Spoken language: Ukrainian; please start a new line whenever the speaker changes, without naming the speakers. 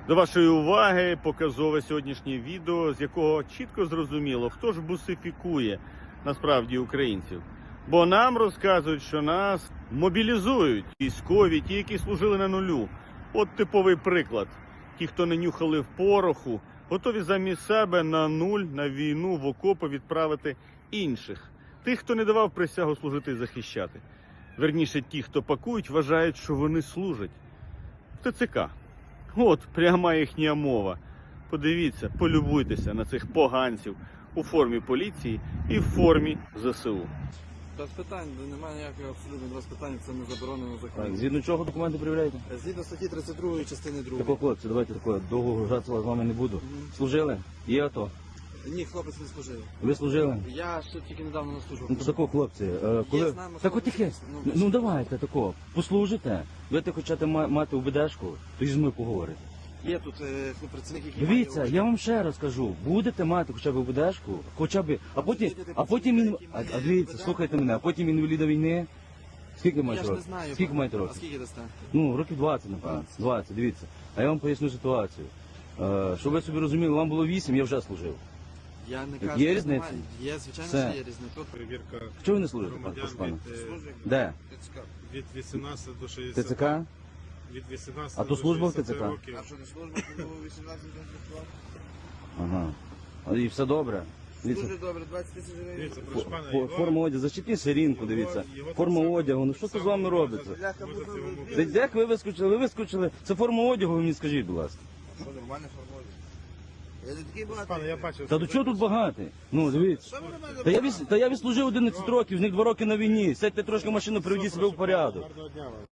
До вашої уваги показове сьогоднішнє відео, з якого чітко зрозуміло, хто ж бусифікує насправді українців. Бо нам розказують, що нас мобілізують військові, ті, які служили на нулю. От типовий приклад. Ті, хто не нюхали в пороху, готові замість себе на нуль, на війну, в окопи відправити інших. Тих, хто не давав присягу служити і захищати. Верніше, ті, хто пакують, вважають, що вони служать. В ТЦК. От пряма їхня мова. Подивіться, полюбуйтеся на цих поганців у формі поліції і в формі ЗСУ.
Без питань, немає ніякого абсолютно без питань, це не заборонено законом.
Згідно чого документи перевіряєте?
Згідно статті 32 частини 2.
Такого хлопці, давайте такого, довго гратися з вами не буду. Служили? Є АТО?
Ні, хлопець не служив.
Ви служили?
Я ще тільки недавно не служив.
Ну то такого хлопці, коли...
з нами
Так от таке,
хлопець,
ну давайте такого, послужите, будете хочете мати УБДшку, то ж ми поговорите.
Є тут працівник, який
Дивіться,
має
я вам ще раз кажу, будете мати хоча б УБДшку, хоча б, а потім, дивіться, слухайте мене, а потім інваліда війни, скільки маєте
Я ж не
років?
знаю.
Скільки маєте
А
років?
скільки дасте?
Ну, років 20, напевно, 20, дивіться. А я вам поясню ситуацію. Щоб ви собі розуміли, вам було 8, я вже служив.
Я не кажу,
Є
що
різниця?
немає. Є, звичайно,
Все.
що є різниця. Тут
Перевірка
Чого ви не служите,
громадян
пане?
від,
Де?
від 18 до 60.
ТЦК?
Від 18
А то
до
служба в
60
ТЦК?
років.
що не служба, то було 18 років.
Ага. І все добре. Дивіться,
Дуже добре, 20 тисяч гривень.
Дивіться, прошу пана, його-
форма одягу, защитні сирінку, дивіться. Форма одягу, ну що це з вами робиться?
Бляха,
Можете
буду-
йому
Де як ви вискочили? Ви вискочили. Це форма одягу, ви мені скажіть, будь ласка.
Що, нормально формує? Я не такий багатий.
Пане, я бачив.
Та до чого тут багатий? Ну, дивіться.
Що ви на мене
Та я відслужив 11 років, з них 2 роки на війні. Сядьте трошки в машину, приведіть себе в порядок.
Гарного дня вам.